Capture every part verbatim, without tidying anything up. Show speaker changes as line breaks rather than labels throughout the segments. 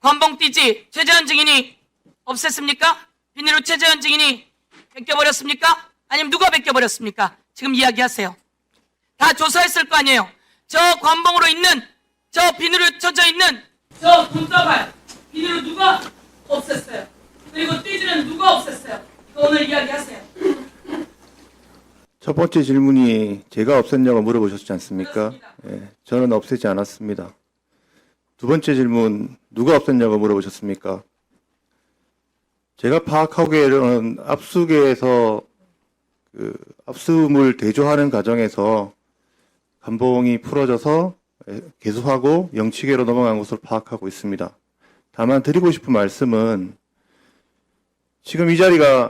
관봉띠지 최재현 증인이 없앴습니까? 비닐로 최재현 증인이 벗겨버렸습니까? 아니면 누가 벗겨버렸습니까? 지금 이야기하세요. 다 조사했을 거 아니에요. 저 관봉으로 있는, 저 비닐로 쳐져 있는 저 돈다발 비닐로 누가 없앴어요? 그리고 띠지는 누가 없앴어요? 이거 오늘 이야기하세요.
첫 번째 질문이 제가 없앴냐고 물어보셨지 않습니까? 예, 저는 없애지 않았습니다. 두 번째 질문, 누가 없앴냐고 물어보셨습니까? 제가 파악하기에는 압수계에서 그 압수물 대조하는 과정에서 관봉이 풀어져서 개수하고 영치계로 넘어간 것으로 파악하고 있습니다. 다만 드리고 싶은 말씀은 지금 이 자리가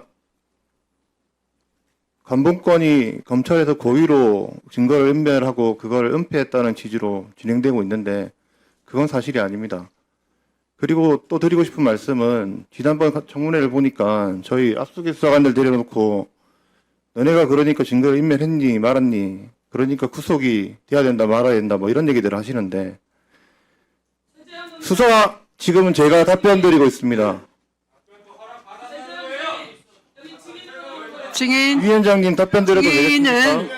관봉권이 검찰에서 고의로 증거를 은멸하고 그걸 은폐했다는 취지로 진행되고 있는데 그건 사실이 아닙니다. 그리고 또 드리고 싶은 말씀은 지난번 청문회를 보니까 저희 압수기 수사관들 데려놓고 너네가 그러니까 증거를 인멸했니 말았니 그러니까 구속이 돼야 된다 말아야 된다 뭐 이런 얘기들을 하시는데 수사 지금은 제가 답변 드리고 있습니다.
증인
위원장님 답변 드려도
증인은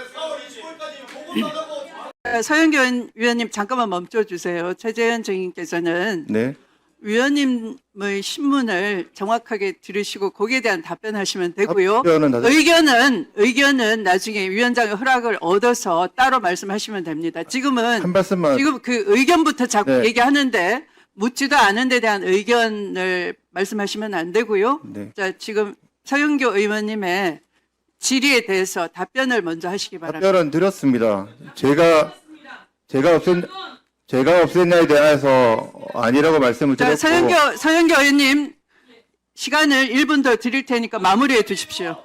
되겠습니까?
서영교 위원님 잠깐만 멈춰주세요. 최재현 증인께서는
네.
위원님의 신문을 정확하게 들으시고 거기에 대한 답변하시면 되고요.
답변은 다
의견은 의견은 나중에 위원장의 허락을 얻어서 따로 말씀하시면 됩니다. 지금은
한 말씀만.
지금 그 의견부터 자꾸
네.
얘기하는데 묻지도 않은 데 대한 의견을 말씀하시면 안 되고요.
네.
자, 지금 서영교 의원님의 질의에 대해서 답변을 먼저 하시기 바랍니다.
답변은 드렸습니다. 제가 제가 없앤 제가 없앴냐에 대해서 아니라고 말씀을
자,
드렸고
서영교 서영교 의원님 시간을 일 분 더 드릴 테니까 마무리해 주십시오.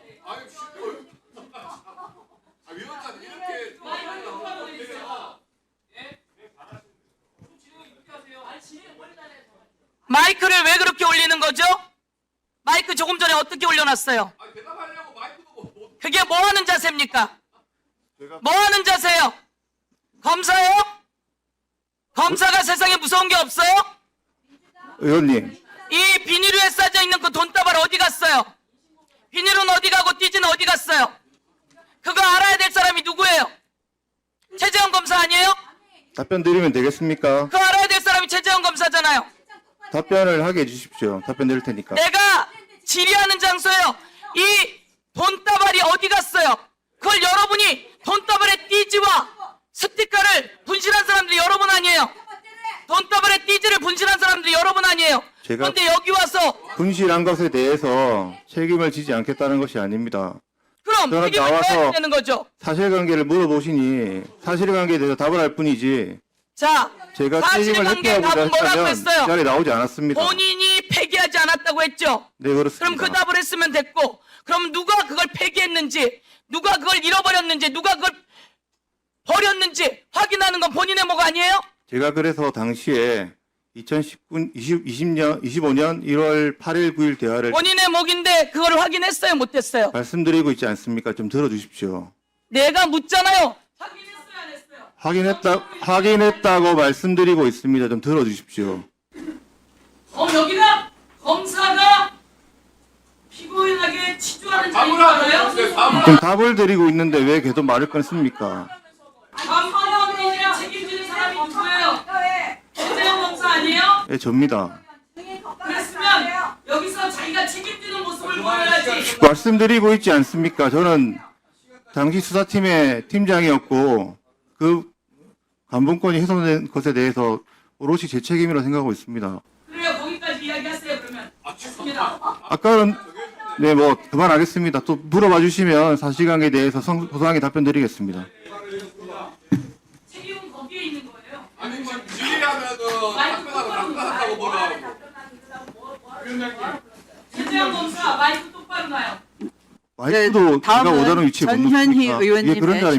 마이크를 왜 그렇게 올리는 거죠? 마이크 조금 전에 어떻게 올려놨어요? 그게 뭐 하는 자세입니까? 뭐 하는 자세요? 검사요? 검사가 세상에 무서운 게 없어요?
의원님
이 비닐 위에 싸져 있는 그 돈다발 어디 갔어요? 비닐은 어디 가고 띠지는 어디 갔어요? 그거 알아야 될 사람이 누구예요? 최재형 검사 아니에요?
답변 드리면 되겠습니까?
그거 알아야 될 사람이 최재형 검사잖아요.
답변을 하게 해주십시오. 답변 드릴 테니까.
내가 질의하는 장소예요. 이 돈다발이 어디 갔어요? 그걸 여러분이 돈다발의 띠지와 스티커를 분실한 사람들이 여러분 아니에요? 돈다발의 띠지를 분실한 사람들이 여러분 아니에요?
제가-
그런데 여기 와서
분실한 것에 대해서 책임을 지지 않겠다는 것이 아닙니다.
그럼
저는
책임을
나와서-
져야 되는 거죠.
사실관계를 물어보시니 사실관계에 대해서 답을 할 뿐이지
자,
제가 책임을
사실관계
회피하고자
답은 뭐라고
했다면 이
했어요?
자리에 나오지 않았습니다.
본인이 폐기하지 않았다고 했죠.
네, 그렇습니다.
그럼 그 답을 했으면 됐고, 그럼 누가 그걸 폐기했는지, 누가 그걸 잃어버렸는지, 누가 그걸 버렸는지 확인하는 건 본인의 목 아니에요?
제가 그래서 당시에 이천십구, 이십, 이십 년, 이십오 년 일월 팔일, 구일 대화를
본인의 목인데 그걸 확인했어요, 못했어요?
말씀드리고 있지 않습니까? 좀 들어주십시오.
내가 묻잖아요. 확인했어요, 안 했어요?
확인했다, 확인했다고 말씀드리고 있습니다. 좀 들어주십시오.
어, 여기가 검사가 피고인에게 치주하는 자리인가요?
지금 답을 드리고 있는데 왜 계속 말을 끊습니까?
관방원이랑 책임지는 사람이 누구예요? 최재형 검사 아니에요?
예, 접니다.
그랬으면 여기서 자기가 책임지는 모습을 보여야지.
말씀드리고 있지 않습니까? 저는 당시 수사팀의 팀장이었고 그 관봉권이 훼손된 것에 대해서 오롯이 제 책임이라고 생각하고 있습니다.
그래요, 거기까지 이야기하세요, 그러면. 좋습니다.
아까는 네, 뭐 그만하겠습니다. 또 물어봐 주시면 사실관계에 대해서 성- 소상하게 답변 드리겠습니다.
책임은 거기에 있는 거예요.
아니 뭐 질의하면은
마이크
답변하고
똑바로
답변한다고 뭐라
최재형 검사 마이크 똑바로 놔요.
마이크도
네, 다음은
제가 오자는 위치에 못
전현희
놓습니까?
의원님의
이게 그런 자리